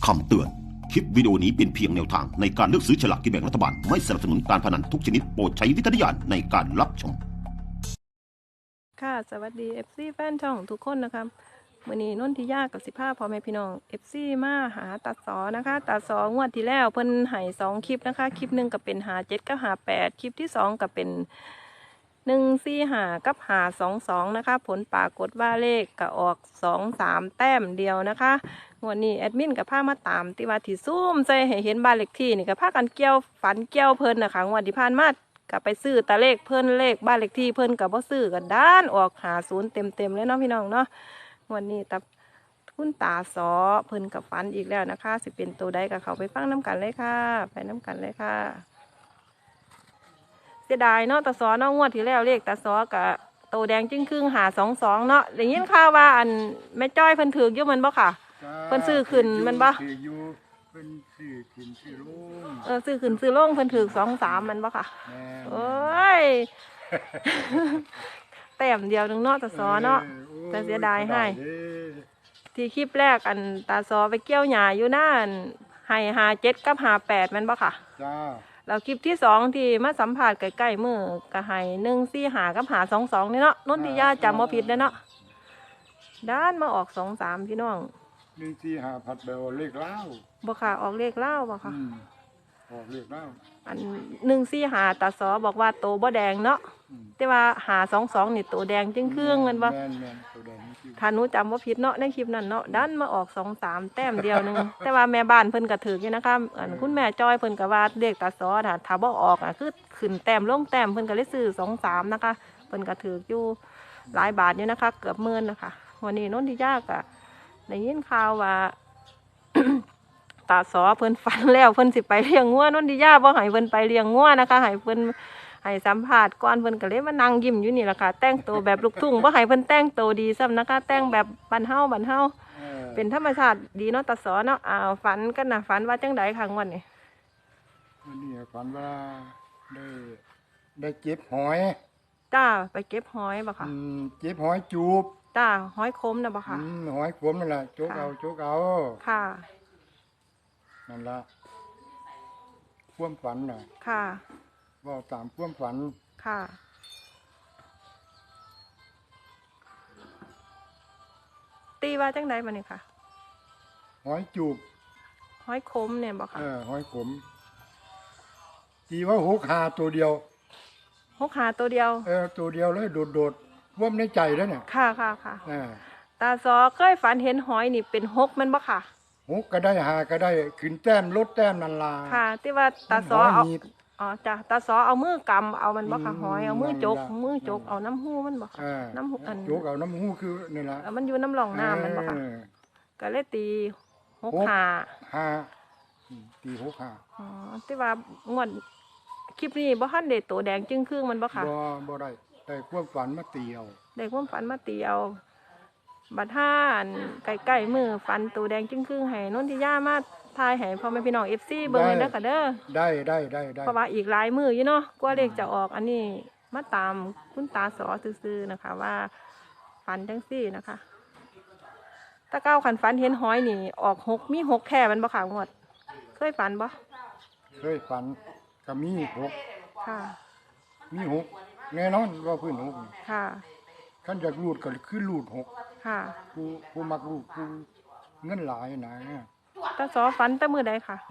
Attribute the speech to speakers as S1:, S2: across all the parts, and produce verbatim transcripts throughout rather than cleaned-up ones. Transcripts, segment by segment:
S1: คำเตือนคลิปวิดีโอนี้เป็นเพียงแนวทางในการเลือกซื้อฉลากกินแบ่งรัฐบาลไม่สนับสนุนการพนันทุกชนิดโปรดใช้วิจารณญาณในการรับชม
S2: ค่ะสวัสดี เอฟ ซี แฟนช่องทุกคนนะครับมื้อนี้นนทิยากับสิภาพ่อแม่พี่น้อง เอฟ ซี มาหาตัดสอนะคะตัดสองวดที่แล้วเพิ่นให้สองคลิปนะคะคลิปหนึ่งก็เป็นหาเจ็ดกับหาแปดคลิปที่สองก็เป็นหนึ่งสี่หากับหาสองสองนะคะผลปรากฏว่าเลขก็ออกสองสามแต้มเดียวนะคะวันนี้แอดมินกับพามาตามที่ว่าที่ซูมใส่ให้เห็นบ้านเลขที่นี่กับพากันเกี่ยวฝันเกี่ยวเพิ่นนะคะงวดที่ผ่านมากับไปซื้อตาเลขเพิ่นเลขบ้านเลขที่เพิ่นกับบ่ซื้อกันด้านออกหาศูนย์เต็มเต็มเลยเนาะพี่น้องเนาะวันนี้ตับคุณตาสอเพิ่นกับฝันอีกแล้วนะคะสิเป็นตัวใดกับเขาไปฟังน้ำกันเลยค่ะไปน้ำกันเลยค่ะเสียดายเนาะตาสอเนาะงวดที่แล้วเลขตาสอกับโตแดงจึ้งครึ่งหาสองสองเนาะอย่างนี้ข่าวว่าอันแม่จ้อยเพิ่นถืออยู่มันบ่ค่ะเพิ่นซื้อขึ้นมันบ่
S3: ถืออยู่เพิ่นซื้อขึ้นซื้อลง
S2: เออซื้อขึ้นซื้อลงเพิ่นถือสองสามมันบ่ค่ะโอ้ยแต้มเดียวนึงเนาะตาสอเนาะแต่เสียดายให้ที่คลิปแรกอันตาสอไปเกี่ยวหญ้าอยู่นั่นให้หาเจ็ดกับหาแปดมันบ่ค่ะ
S3: จ้า
S2: แล้วคลิปที่สองที่มาสัมผัสใกล้ๆมือก็ให้หนึ่งสี่หากับหาสองสองนี่เนาะนนทิยาจำบ่ผิดเลยเนาะด้านมาออกสองสามพี่น้อง
S3: หนึ่งสี่หาผัดเบลเลขเล่า
S2: บ่ค่ะออกเลขเล่าบ่ค่ะ
S3: ออกเลขเล่า
S2: อันหนึ่งสี่หาตาสอบอกว่าโตบ่แดงเนาะแต่ว่าหาสองสองนี่โตแดงจึงเครื่องเงินบ่ถ้าหนูจำว่าผิดเนาะในคลิปนั้นเนาะด้านมาออกสองสามแต้มเดียวนึง แต่ว่าแม่บ้านเพิ่นก็ถืออยู่นะคะอันคุณแม่จอยเพิ่นก็ว่าเลขตาสอถ้าถ้าบ่ออกอ่ะคือขึ้นแต้มลงแต้มเพิ่นก็เลยซื้อสองสามนะคะเพิ่นก็ถืออยู่หลายบาทอยู่นะคะเกือบหมื่นนะคะวันนี้นนทิยาก็ได้ยินข่าวว่า ตาสอเพิ่นฝันแล้วเพิ่นสิไปเลี้ยงงัวนนทิยาบ่ให้เพิ่นไปเลี้ยงงัวนะคะให้เพิ่นให้สัมภาษณ์ก่อนเพิ่นก็เลยมานั่งยิ้มอยู่นี่แหละค่ะแต่งตัวแบบลูกทุ่งบ่ให้เพิ่นแต่งตัวดีซ้ำนะคะแต่งแบบบ้านเฮาบ้านเฮาเป็นธรรมชาติดีเนาะตาสอเนาะอ้าวฝันกันนะฝันว่าจังไดค่ะงวดนี้
S3: วันนี้ฝันว่าได้ได้เก็บหอย
S2: จ้าไปเก็บหอยบ่ค่ะ
S3: เก็บหอยจูบ
S2: จ้าหอยคมนะบ่ค่ะ
S3: หอยขมนั่นแหละจุกเอาจุกเอา
S2: ค่ะ
S3: นั่นละความฝันน่ะ
S2: ค่ะ
S3: ว่าตามความฝัน
S2: ค่ะตีว่าจังไดบัดนี้ค่ะ
S3: หอยจูบ
S2: หอยคมเนี่ยบ่ค่ะ
S3: เออหอยขมตีว่าหกหาตัวเดียว
S2: หกหาตัวเดียว
S3: เออตัวเดียวเลยโดดโดดว่มในใจแล้วเนี่ย
S2: ค่ะค่ะค่ะตาสอเคยฝันเห็นหอยนี่เป็นหกมันบ่ค่ะ
S3: หกก็ได้หาก็ได้ขึ้นแต้มลดแต้มนันลา
S2: ค่ะที่ว่าตาสอเอาอ๋อจ้ะตาสอเอามือกำเอามันบ่ค่ะหอยเอามือจกมือจกเอาน้ำหูมันบ่ค่ะน้ำหูอัน
S3: จกเอาน้ำหูคือนี่ละ
S2: มันอยู่น้ำหลองน้ำมันบ่ค่ะก็เลยตีหกหา
S3: ห้าตีหกหา
S2: อ๋อที่ว่างวดคลิปนี้บ่ทันได้โตแดงจึงครึ่งมันบ่ค่ะ
S3: บ่บ่ได้ได้ความฝันมาตีเอา
S2: ได้ความฝันมาตีเอาบัดห้าใกล้ๆมือฟันตัวแดงจึ้งครึ่งให้นนทิยามาทายให้พ่อแม่พี่น้องเอฟซีเบิ่งเลยนะค่ะเด้อ
S3: ได้ได้ได้ได้
S2: เพราะว่าอีกหลายมืออยู่เนาะกว่าเลขจะออกอันนี้มาตามคุณตาสอซื่อๆนะคะว่าฟันจังซี่นะคะตะเก้าขันฟันเห็นหอยนี่ออกหกมีหกแค่มันบ่ขาวงวดเคยฝันบ่
S3: เคยฝันก็มีหก
S2: ค่ะ
S3: มีหกแน่นอนว่าพื้นหก
S2: ค่ะ
S3: ขั้นจากรูดก็คือรูดหก
S2: ค่ะ
S3: ผู้ผู้มักรูดผู้เงินหลายนะ
S2: ตาสอฟันแต่มือใดค่ะ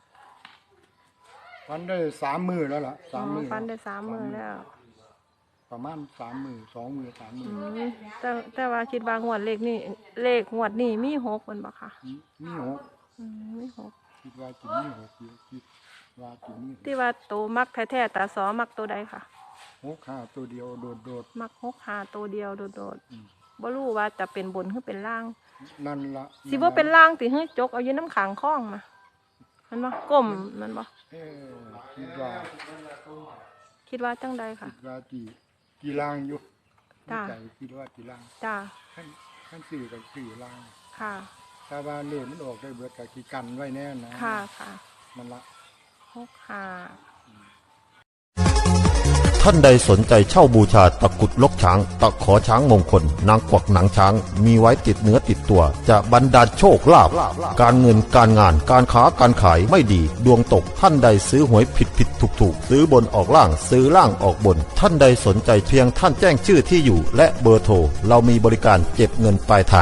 S3: ฟันได้สามมือแล้วล่ะสามมือ
S2: ฟันได้สามมือแล้ว
S3: ประมาณสามมือสองมือสามมือ
S2: แต่แต่ว่าคิดว่างวดเลขนี่เลขงวดนี่มีหกมันบ่ค่ะ
S3: มีหก
S2: มีหก
S3: คิดว่าจิมีหกคิดว่าจิมี
S2: ที่ว่าโตมักแท้ๆตาสอมักตัวใดค่ะ
S3: หกห้าตัวเดียวโดดโดด
S2: มักหกห้าตัวเดียวโดดโดดบ่รู้ว่าจะเป็นบนหรือเป็นล่าง
S3: นั่นละ
S2: สิบ่เป็นล่างติเฮ้ยจกเอาอยู่น้ำขังคล้องมามันบ่ก้มมันบ่
S3: คิดว่า
S2: คิดว่าจังใดค่ะ
S3: คิดว่าจีจีล่างอยู่
S2: จ้า
S3: คิดว่าจีล่าง
S2: จ้า
S3: ขั้นขั้นสื่อกับสื่อล่าง
S2: ค่ะ
S3: ถ้าว่าเล่มันออกได้เบิดกับกีกันไว้แน่นะ
S2: ค่ะค่ะ
S3: มันละ
S2: หกห้า
S1: ท่านใดสนใจเช่าบูชาตะกรุดลกช้าง ตะขอช้างมงคลนางกวักหนังช้างมีไว้ติดเนื้อติดตัวจะบรรดาลโชคลาภการเงินการงานการค้าการขายไม่ดีดวงตกท่านใดซื้อหวยผิดผิดถูกถูกซื้อบนออกล่างซื้อล่างออกบนท่านใดสนใจเพียงท่านแจ้งชื่อที่อยู่และเบอร์โทรเรามีบริการเก็บเงินปลายทาง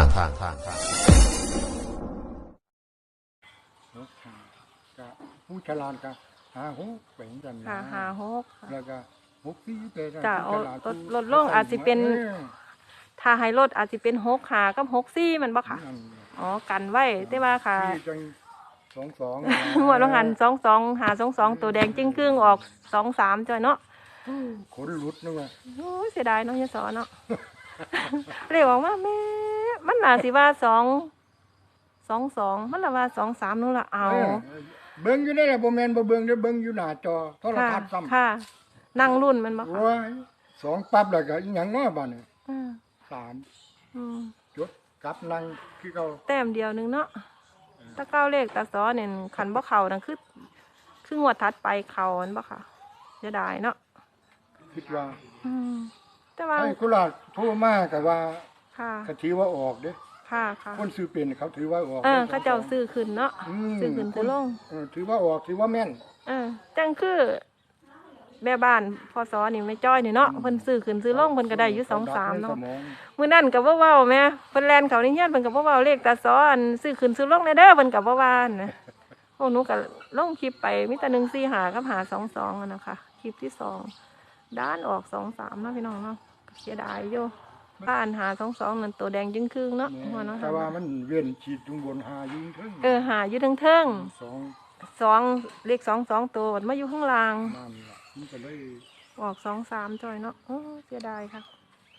S3: หกห้าก็ผู้ฉลาดก็หาหกเป็นกันนะ
S2: หาหาหกค่ะ
S3: แล้วก็หกสี่เป็น
S2: จ้ะเอา
S3: ผู้ฉลด
S2: ลดลดลงอาจสิเป็น
S3: ออ
S2: ถ้าให้ลดอาจจะเป็นหกหากับหกสี่มันบ่ค่ะ
S3: นั่น
S2: อ๋อกันไว้แต่ว่าค่ะ
S3: ที่จังสองสอง
S2: งวดลงหันสองสองหาสองสองตัวแดงจิ้งครึ่งออกสองสามจ้อยเนาะ
S3: ขนหลุดนึกว่า
S2: โอ้ยเสียดายเนาะยายสอนเนาะ เรียกว่าแม่มันน่าสิว่าสองสองสองมันละว่าสองสามนู่นละเอา
S3: เออเบิ่งอยู่ได้แหละบ่แม่นบ่เบิ่งเด้อเบิ่งอยู่หน้าจอโทร
S2: ค่ะ
S3: ทัศน์ซ้ำ
S2: ค่ะ นั่งรุ่นมันบ่ค่ะ
S3: โอ้ยสองปั๊บแล้วก็อีหยังเนาะบัดนี้
S2: อืม
S3: สาม
S2: อืม
S3: จดกลับนั่งคือเก่า
S2: แต้มเดียวหนึงเนาะถ้าเก้าเลขตาซ้อเนี่ยขันบ่เข่านั่นคือคืองวดทัดไปเข่ามันบ่ค่ะเสียดายเนาะ
S3: คิดว่า
S2: อืมแต่ว่า
S3: ให้กุหลาบโทรมาก็ว่า
S2: ค่ะ
S3: ก็ถือว่าออกเด้
S2: ค่ะค่ะ
S3: คนซื้อเป็นเขาถือว่าออก
S2: เออเขาเจ้าซื้อขึ้นเนาะ
S3: ม
S2: ซื้อขึ้นซื้อลง
S3: เออถือว่าออกถือว่าแม่น
S2: เออจังคือแม่บ้านพอสอนี่ไม่จ้อยนี่เนาะเพิ่นซื้อขึ้นซื้อลงเพิ่นก็ได้อยู่สองสามเนาะ
S3: สมอง
S2: มื้อนั้นก็บ่เว้าแม่เพิ่นแล่นเขาในเฮียนเพิ่นก็บ่เว้าเลขตาซ้ออันซื้อขึ้นซื้อลงแน่เด้อเพิ่นก็บ่ว่านะโอ้หนูก็ลงคลิปไปมีแต่หนึ่งสี่ห้ากับห้าสองสองอะนะคะคลิปที่สองด้านออกสองสามเนาะพี่น้องเนาะเสียดายอยู่บ้านหาสองสองนั่นตัวแดงจึงครึ่งเนาะหัวเนาะ
S3: แต่ว่ามันเวียนฉีดจุงบนหายิงถึง
S2: เออหาอยู่เทิง
S3: สอง
S2: ๆสองเลขสองสองตัวมาอยู่ข้างล่าง
S3: นั่นล่ะมันก็เลย
S2: ออกสองสามจอยเนาะโอ้เสียดายค่ะ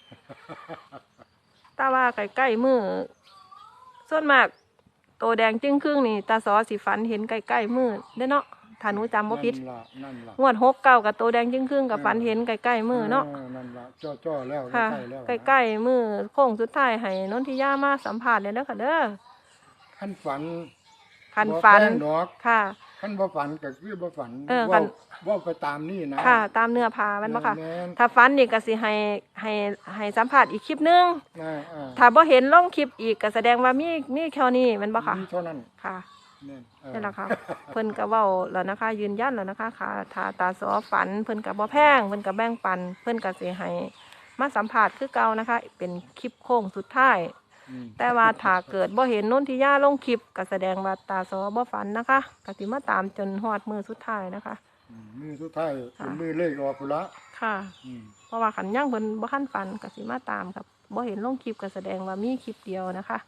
S2: ตาว่าใกล้ๆมือส่วนมากโตแดงจึ้งครึ่งนี่ตาสอสีฝันเห็นใกล้ๆมือได้อเนาะถ้าหนูจำบ่ผิด
S3: นั่นล่ะนั่นล่ะ
S2: งวดหกเก้ากับโตแดงจึ้งครึ่งกับฝันเห็นใกล้ๆมือเนาะ
S3: นั่นล่ะจ่อๆแล้ว
S2: ค่ะ
S3: ใกล้ๆแล้ว
S2: ใกล้ๆมือโค้งสุดท้ายให้นนทิยามาสัมผัสเลยเด้อค่ะเด้อ
S3: ขั้นฝัน
S2: คันฝัน
S3: บ่แป้งดอก
S2: ค่ะ
S3: ขั้นบ่ฝันก็คือบ่ฝัน
S2: เออคั
S3: ว่าน ว่าไปตามนี่นะ
S2: ค่ะ ตามเนื้อผ้าแมันบ่ค่ะ
S3: แม่น
S2: ถ้าฝันนี่ก็สิให้ให้ให้สัมผัสอีกคลิปหนึง
S3: อ่าอ่า
S2: ถ้าบ่เห็นลงคลิปอีกก็แสดงว่ามีมีแค่นี้แมันบ่ค่ะ
S3: มีเท่านั้น
S2: ค่ะ
S3: แม่นเออ
S2: นี่แหละค่ะ เพิ่นก็เว้าแล้วนะคะ ยืนยันแล้วนะคะค่ะถ้าตาสอฝัน เพิ่นก็บ่แพงเพิ่นก็แบ่งปัน เพิ่นก็สิให้มาสัมภาษณ์คือเก่านะคะ เป็นคลิปโค้งสุดท้าย
S3: อืม
S2: แต่ว่าถ้าเกิดบ่เห็นนนทิยาลงคลิปก็แสดงว่าตาสอบ่ฝันนะคะก็สิมาตามจนฮอดมื้อสุดท้ายนะคะ
S3: อืมมือสุดท้าย
S2: ค่ะ
S3: เป็นมือเลขออกพุ่นละ
S2: ค่ะ
S3: อืม
S2: เพราะว่าขันย่างเพิ่นบ่ทันฝันก็สิมาตามครับบ่เห็นลงคลิปก็แสดงว่ามีคลิปเดียวนะคะ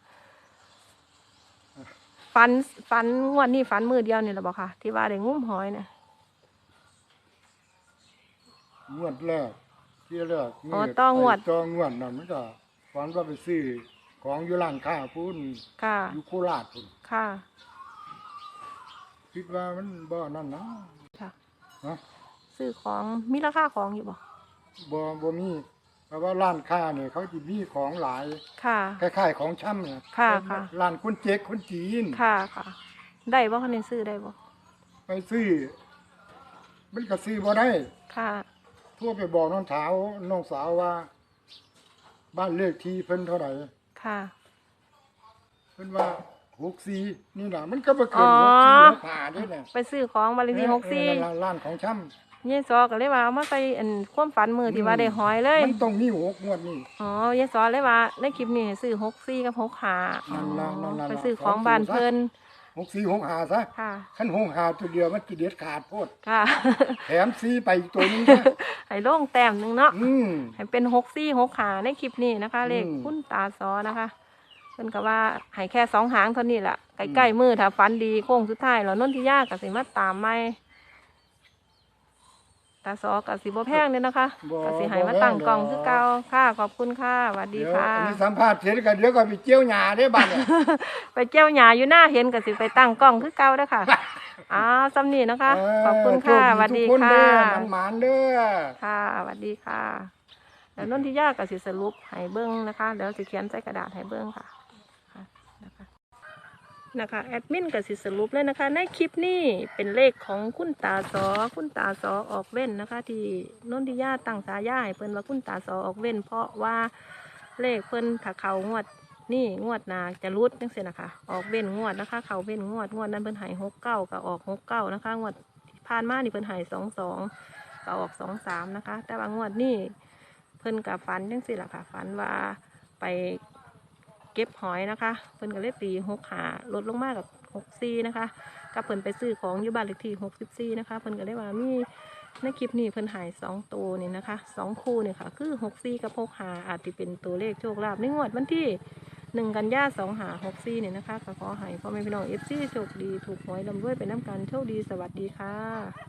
S2: ฝันฝันงวดนี้ฝันมือเดียวนี่แหละบ่ค่ะ ที่ว่าได้งุ้มหอยเนี่ย
S3: งวดแรกที่แรก
S2: อ๋อต้องวด
S3: ไอ้ต้องวดนั่นมันก็ฝันว่าไปซื้อของอยู่ร้านค้าพุ่น
S2: ค่ะ
S3: อยู่โคราชพุ่น
S2: ค่ะ
S3: คิดว่ามันบ่นั่นนะ
S2: ค่ะ
S3: ฮะ
S2: ซื้อของมีราคาของอยู่บ่
S3: บ่บ่มีเพราะว่าร้านค้าเนี่ยเขาจะมีของหลาย
S2: ค่ะ
S3: คล้ายๆของช่ำเนี่ย
S2: ค่ะค่ะ
S3: ร้านคนเจ๊กคนจีน
S2: ค่ะค่ะ ได้บ่คะเนี่ยซื้อได้บ่
S3: ไปซื้อ มันก็ซื้อบ่ได้
S2: ค่ะ
S3: ทั่วไปบอกน้องสาวน้องสาวว่า บ้านเลขที่เพิ่นเท่าไหร่
S2: ค่ะ
S3: เพิ่นว่าหกสี่นี่น่ะมันก็บ่เกิ
S2: อ๋
S3: น
S2: อ
S3: หกสี่หกห้าเด้เนี่ย
S2: ไปซื้อของบาลีที่หกสี่
S3: เออร้านร้านของช่ำ
S2: ยายซอก็เลยว่าเอามาใส่อันความฝันมือที่ว่าได้หอยเลย
S3: มันต้องมีหกงวดนี่
S2: อ๋อยายซอเลยว่าในคลิปนี้ให้ซื้อหกสี่กับหกห้า
S3: นั่นล่ะนั่นล่ะ
S2: ไปซื้อของบ้านเพิ่น
S3: หกสี่หกห้าซะ
S2: ค่ะ
S3: คันหกห้าตัวเดียวมันกิเด็ดขาดโพด
S2: ค่ะ
S3: แถมซีไปอีกตัวหนึงนะ
S2: ให้ลงแต้มหนึ่งเนาะ
S3: อืม
S2: ให้เป็นหกสี่หกขาในคลิปนี้นะคะ เลข
S3: อืม
S2: คุณตาซอนะคะเพิ่นก็ว่าให้แค่สองหางเท่านี้แหละใกล้ๆมือถ้าฟันดีโค้งสุดท้ายแล้วนนทิยากับสิมาตามไม่ตาซอกับสิบ่แพงเนี่ยนะคะ
S3: บ่
S2: กับสิให้มาตั้งกล่องคือเก่าค่ะขอบคุณค่ะสวัสดี
S3: เดี๋ยว
S2: ค่ะ
S3: อันนี้สัมภาษณ์เสร็จก็เดี๋ยวก็ไปเจียวหญ้าได้บ้านเนี่ย
S2: ไปเจ้าหญ้าอยู่หน้าเห็นกับสิไปตั้งกล่องคือเก่าเด้อค่ะอ้าวซ้ำนี่นะคะ ขอบคุณค่ะสวัสดี
S3: ทุกน
S2: ค่ะ
S3: เด้อมันหมานเด้อ
S2: ค่ะสวัสดีค่ะแล้วนนทิยากับสิสรุปให้เบิ้งนะคะเดี๋ยวสิเขียนใส่กระดาษให้เบิ้งค่ะค่ะนะคะนะคะแอดมินก็สิสรุปเลยนะคะ ในคลิปนี้เป็นเลขของคุณตาสอคุณตาสอออกเว้นนะคะ ที่นนทิยาตั้งฉายาให้เพิ่นว่าคุณตาสอออกเว้น เพราะว่าเลขเพิ่นถ้าเขางวดนี่งวดหนาจะรุดจังซี่นะคะออกเว้นงวดนะคะ เขาเว้นงวดงวดนั้นเพิ่นใหายหกเก้าก็ออกหกเก้านะคะงวดผ่านมานี่เพิ่นใหายสองสองก็ออกสองสามนะคะ แต่ว่างวดนี้เพิ่นกับฝันจังซี่ล่ะค่ะฝันว่าไปเก็บหอยนะคะเพิ่นก็เลยตีหกหาลดลงมากับหกสี่นะคะกับเพิ่นไปซื้อของอยู่บ้านเลขที่หกสิบสี่นะคะเพิ่นก็เลยว่ามีในคลิปนี้เพิ่นหายสองตัวนี่นะคะสองคู่นี่ค่ะคือหกสี่กับหกหาอาจจะเป็นตัวเลขโชคลาภในงวดวันที่หนึ่งกันยาสองหาหกสี่เนี่ยนะคะก็ขอให้พ่อแม่พี่น้องเอฟซีโชคดีถูกหวยลำด้วยไปน้ำกันโชคดีสวัสดีค่ะ